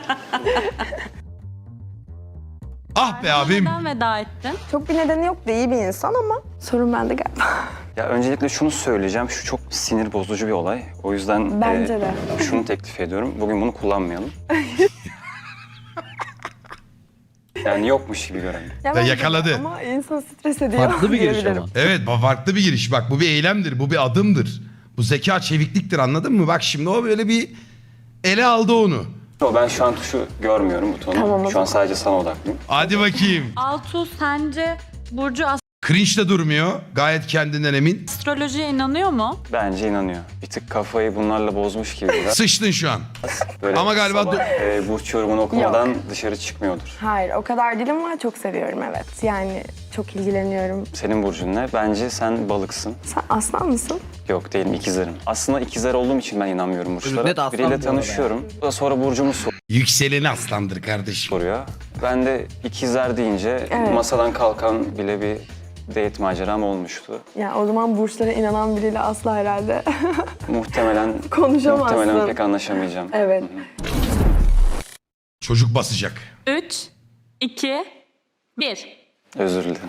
[SPEAKER 1] Ah be abim.
[SPEAKER 3] Neden veda ettin?
[SPEAKER 11] Çok bir nedeni yok da iyi bir insan ama sorun bende galiba.
[SPEAKER 6] Ya öncelikle şunu söyleyeceğim. Şu çok sinir bozucu bir olay. O yüzden
[SPEAKER 11] Bence
[SPEAKER 6] e,
[SPEAKER 11] de.
[SPEAKER 6] şunu teklif ediyorum. Bugün bunu kullanmayalım. Yani yokmuş gibi görelim.
[SPEAKER 11] Ya
[SPEAKER 1] Ve
[SPEAKER 11] bence de
[SPEAKER 1] yakaladı.
[SPEAKER 11] Ama insan stres ediyor.
[SPEAKER 12] Farklı bir giriş
[SPEAKER 11] diyebilirim.
[SPEAKER 12] ama.
[SPEAKER 1] Evet, bu farklı bir giriş. Bak bu bir eylemdir, bu bir adımdır. Bu zeka çevikliktir, anladın mı? Bak şimdi o böyle bir ele aldı onu.
[SPEAKER 6] Yo, ben şu an tuşu görmüyorum, butonu.
[SPEAKER 11] Tamam, o
[SPEAKER 6] şu an
[SPEAKER 11] zaman.
[SPEAKER 6] sadece sana odaklıyım.
[SPEAKER 1] Hadi bakayım.
[SPEAKER 3] Altuğ, sence Burcu
[SPEAKER 1] Cringe de durmuyor. Gayet kendinden emin.
[SPEAKER 3] astrolojiye inanıyor mu?
[SPEAKER 6] Bence inanıyor. Bir tık kafayı bunlarla bozmuş gibi biraz.
[SPEAKER 1] Sıçtın şu an.
[SPEAKER 6] Böyle
[SPEAKER 1] Ama galiba
[SPEAKER 6] sabah, e, burç yorumunu okumadan
[SPEAKER 11] Yok.
[SPEAKER 6] dışarı çıkmıyordur.
[SPEAKER 11] Hayır, o kadar değilim ama çok seviyorum, evet. Yani çok ilgileniyorum.
[SPEAKER 6] Senin burcun ne? Bence sen balıksın.
[SPEAKER 11] Sen aslan mısın?
[SPEAKER 6] Yok, değilim, ikizlerim. Aslında ikizler olduğum için ben inanmıyorum burçlara.
[SPEAKER 12] Net aslan
[SPEAKER 6] Biriyle
[SPEAKER 12] bu arada
[SPEAKER 6] tanışıyorum. O da sonra burcumu
[SPEAKER 1] Yükseleni aslandır kardeşim.
[SPEAKER 6] soruyor. Ben de ikizler deyince
[SPEAKER 11] Evet.
[SPEAKER 6] masadan kalkan bile bir date maceram olmuştu.
[SPEAKER 11] Ya o zaman burçlara inanan biriyle asla herhalde
[SPEAKER 6] Muhtemelen
[SPEAKER 11] konuşamazsın.
[SPEAKER 6] muhtemelen pek anlaşamayacağım.
[SPEAKER 11] Evet.
[SPEAKER 1] Çocuk basacak.
[SPEAKER 3] üç, iki, bir.
[SPEAKER 6] Özür dilerim.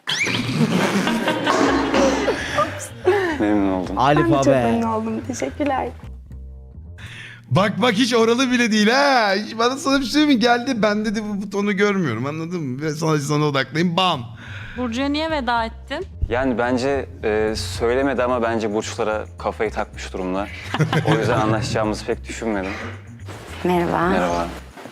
[SPEAKER 6] Memnun oldum.
[SPEAKER 11] Ben de çok memnun oldum. Teşekkürler.
[SPEAKER 1] Bak bak hiç oralı bile değil ha. Hiç bana sana bir şey mi geldi? Ben dedi bu butonu görmüyorum, anladın mı? Ben sana, sana odaklayayım, bam.
[SPEAKER 3] Burcu'ya niye veda ettin?
[SPEAKER 6] Yani bence e, söylemedi ama bence burçlara kafayı takmış durumda. O yüzden anlaşacağımızı pek düşünmedim.
[SPEAKER 11] Merhaba.
[SPEAKER 6] Merhaba.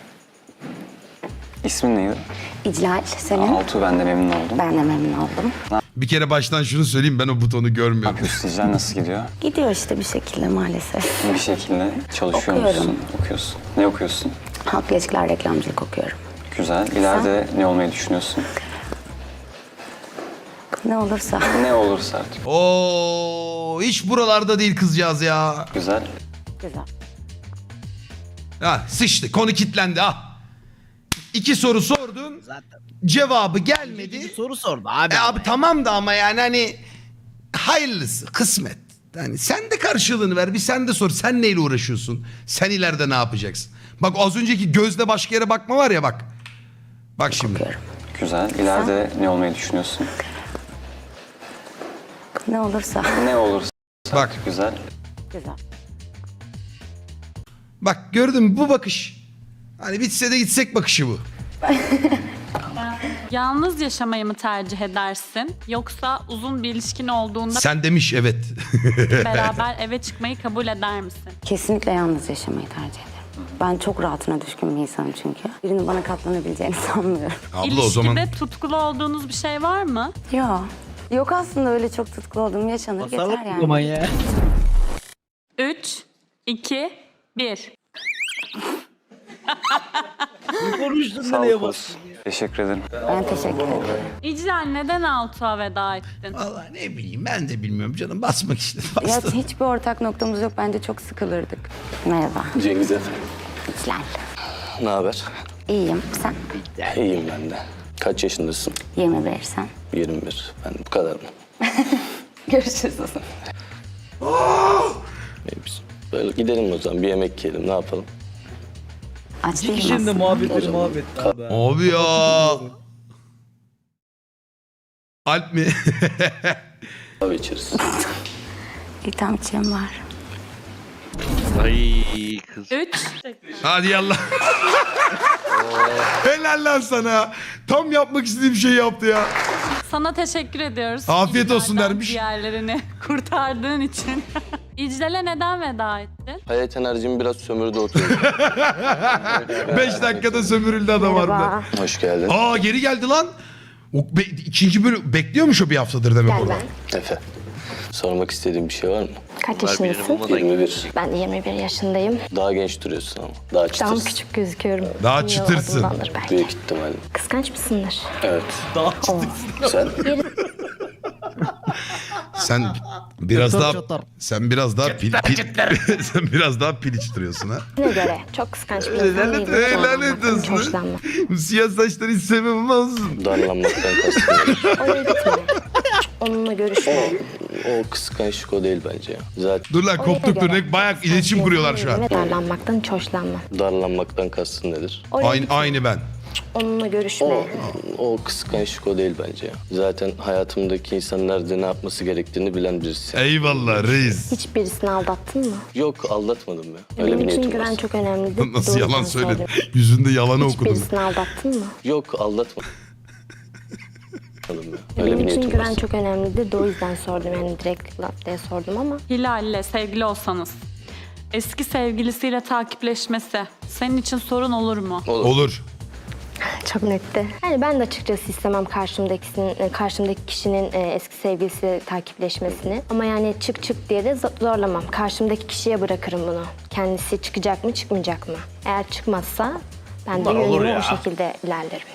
[SPEAKER 6] İsmin neydi?
[SPEAKER 11] İclal, senin?
[SPEAKER 6] Altuğ, ben de memnun oldum.
[SPEAKER 11] Ben de memnun oldum.
[SPEAKER 1] Bir kere baştan şunu söyleyeyim, ben o butonu görmüyorum.
[SPEAKER 6] Sizler nasıl gidiyor?
[SPEAKER 11] Gidiyor işte bir şekilde maalesef.
[SPEAKER 6] Bir şekilde çalışıyor
[SPEAKER 11] Okuyorum.
[SPEAKER 6] musun? Okuyorsun. Ne okuyorsun?
[SPEAKER 11] Halk ilişkiler reklamcılık okuyorum.
[SPEAKER 6] Güzel. İleride ne olmayı düşünüyorsun?
[SPEAKER 11] Ne olursa.
[SPEAKER 6] Ne olursa artık.
[SPEAKER 1] Oo, hiç buralarda değil kızcağız ya.
[SPEAKER 6] Güzel.
[SPEAKER 11] Güzel.
[SPEAKER 1] Ha, sıçtı, konu kilitlendi ha. İki soru sordun, cevabı gelmedi.
[SPEAKER 10] Soru sordu abi.
[SPEAKER 1] E abi tamam da ama yani hani hayırlısı, kısmet. Yani sen de karşılığını ver, bir sen de sor. Sen neyle uğraşıyorsun? Sen ileride ne yapacaksın? Bak az önceki gözle başka yere bakma var ya bak. Bak şimdi.
[SPEAKER 6] Güzel. İleride ne olmayı düşünüyorsun?
[SPEAKER 11] Ne olursa.
[SPEAKER 6] Ne olursa.
[SPEAKER 1] Bak.
[SPEAKER 6] Güzel.
[SPEAKER 11] Güzel.
[SPEAKER 1] Bak gördün mü bu bakış. Hani bitse de gitsek bakışı bu.
[SPEAKER 3] Yalnız yaşamayı mı tercih edersin? Yoksa uzun bir ilişkin olduğunda
[SPEAKER 1] Sen demiş evet.
[SPEAKER 3] beraber eve çıkmayı kabul eder misin?
[SPEAKER 11] Kesinlikle yalnız yaşamayı tercih ederim. Ben çok rahatına düşkün bir insanım çünkü. Birinin bana katlanabileceğini sanmıyorum.
[SPEAKER 1] Abla o
[SPEAKER 3] İlişkide
[SPEAKER 1] zaman
[SPEAKER 3] tutkulu olduğunuz bir şey var mı?
[SPEAKER 11] Yok. Yok aslında öyle çok tutkulu olduğum yaşanır yeter yani.
[SPEAKER 10] ya.
[SPEAKER 3] üç, iki, bir.
[SPEAKER 10] Konuştun
[SPEAKER 6] Sağ ol Koz. Teşekkür ederim.
[SPEAKER 11] Ben teşekkür ederim.
[SPEAKER 3] İclal neden Altuğ'a veda ettin?
[SPEAKER 1] vallahi ne bileyim ben de bilmiyorum canım, basmak istedim.
[SPEAKER 11] Ya
[SPEAKER 1] Bastım.
[SPEAKER 11] hiçbir ortak noktamız yok. Bence çok sıkılırdık. Merhaba.
[SPEAKER 13] Cengiz efendim.
[SPEAKER 11] İclal.
[SPEAKER 13] Ne haber?
[SPEAKER 11] İyiyim. Sen?
[SPEAKER 13] İyiyim ben de. Kaç yaşındasın?
[SPEAKER 11] yirmi bir sen.
[SPEAKER 13] yirmi bir. Ben bu kadar mı?
[SPEAKER 11] Görüşürüz.
[SPEAKER 13] Neymiş? Böyle gidelim o zaman. Bir yemek yiyelim. Ne yapalım?
[SPEAKER 11] Aç değilim
[SPEAKER 10] Şimdi
[SPEAKER 11] aslında.
[SPEAKER 10] muhabbetleri muhabbet abi.
[SPEAKER 1] Abi ya. Alp mi?
[SPEAKER 13] Kahve içeriz.
[SPEAKER 11] Bir tam içeyim var.
[SPEAKER 4] Ay kız.
[SPEAKER 3] üç,
[SPEAKER 1] Hadi yallah. Helal lan sana. Tam yapmak istediğim şeyi yaptı ya.
[SPEAKER 3] sana teşekkür ediyoruz.
[SPEAKER 1] Afiyet olsun
[SPEAKER 3] İclal'den
[SPEAKER 1] dermiş.
[SPEAKER 3] Diğerlerini kurtardığın için. İclal'e neden veda ettin?
[SPEAKER 13] Hayat enerjimi biraz sömürdü oturuyor.
[SPEAKER 1] Beş dakikada sömürüldü adam harbiden.
[SPEAKER 13] Hoş geldin.
[SPEAKER 1] Aa geri geldi lan. O be- ikinci bölüm bekliyormuş o bir haftadır demek orada.
[SPEAKER 13] Efe. Sormak istediğin bir şey var mı?
[SPEAKER 7] Kaç
[SPEAKER 4] Bunlar birini
[SPEAKER 7] yaşındasın?
[SPEAKER 4] bulmadan
[SPEAKER 13] yirmi bir.
[SPEAKER 7] Ben de yirmi bir yaşındayım.
[SPEAKER 13] Daha genç duruyorsun ama. Daha
[SPEAKER 7] Daha
[SPEAKER 13] çıtırsın.
[SPEAKER 7] küçük gözüküyorum.
[SPEAKER 1] Daha
[SPEAKER 7] Yıl
[SPEAKER 1] çıtırsın.
[SPEAKER 7] adımdandır belki.
[SPEAKER 13] Büyük ihtimalle.
[SPEAKER 7] Kıskanç mısındır?
[SPEAKER 13] Evet.
[SPEAKER 10] Daha
[SPEAKER 7] Oo.
[SPEAKER 13] Sen?
[SPEAKER 1] Sen biraz
[SPEAKER 10] Çatar
[SPEAKER 1] daha
[SPEAKER 10] çatar.
[SPEAKER 1] sen biraz daha pil, pil- sen biraz daha piliç duruyorsun ha.
[SPEAKER 7] Ne göre? Çok kıskanç bir insan
[SPEAKER 1] Lanet,
[SPEAKER 7] değilim.
[SPEAKER 1] lanet
[SPEAKER 7] Hiç
[SPEAKER 1] olsun.
[SPEAKER 7] hoşlanmam.
[SPEAKER 1] Bu siyah saçları hiç sevmem olsun.
[SPEAKER 13] Darlanmaktan kastım.
[SPEAKER 7] Oraya gitme. Onunla görüşme.
[SPEAKER 13] O kıskançlık o değil bence ya. Zaten
[SPEAKER 1] Dur lan koptuk dur. Ne bayağı iletişim kuruyorlar şu an.
[SPEAKER 7] Ve darlanmaktan hiç hoşlanmam.
[SPEAKER 13] darlanmaktan kastın nedir?
[SPEAKER 7] Oraya
[SPEAKER 1] Aynı,
[SPEAKER 7] gitme.
[SPEAKER 1] aynı ben.
[SPEAKER 7] Onunla görüşme.
[SPEAKER 13] O kıskançlık o değil bence ya. Zaten hayatımdaki insan nerede ne yapması gerektiğini bilen birisi.
[SPEAKER 1] Eyvallah reis.
[SPEAKER 7] Hiç birisini aldattın mı?
[SPEAKER 13] Yok aldatmadım ya. Öyle
[SPEAKER 7] Benim
[SPEAKER 13] bir
[SPEAKER 7] için
[SPEAKER 13] niyetim
[SPEAKER 7] güven
[SPEAKER 13] var.
[SPEAKER 7] çok önemlidir.
[SPEAKER 1] Nasıl
[SPEAKER 7] Bu
[SPEAKER 1] yalan
[SPEAKER 7] yüzden
[SPEAKER 1] söyledin?
[SPEAKER 7] sordum.
[SPEAKER 1] Yüzünde yalanı
[SPEAKER 7] Hiç
[SPEAKER 1] okudum.
[SPEAKER 7] birisini aldattın mı?
[SPEAKER 13] Yok aldatmadım ya. Öyle
[SPEAKER 7] Benim
[SPEAKER 13] bir
[SPEAKER 7] için
[SPEAKER 13] niyetim
[SPEAKER 7] güven
[SPEAKER 13] var.
[SPEAKER 7] çok önemlidir. De o yüzden sordum. Yani direkt laf diye sordum ama.
[SPEAKER 3] Hilal'le sevgili olsanız eski sevgilisiyle takipleşmesi senin için sorun olur mu?
[SPEAKER 13] Olur.
[SPEAKER 1] Olur.
[SPEAKER 7] Çok netti. Yani ben de açıkçası istemem karşımdakisinin, karşımdaki kişinin e, eski sevgilisiyle takipleşmesini. Ama yani çık çık diye de zo- zorlamam. Karşımdaki kişiye bırakırım bunu. Kendisi çıkacak mı çıkmayacak mı? Eğer çıkmazsa ben de
[SPEAKER 10] Bunlar olur
[SPEAKER 7] yönümü
[SPEAKER 10] ya.
[SPEAKER 7] o şekilde ilerlerim.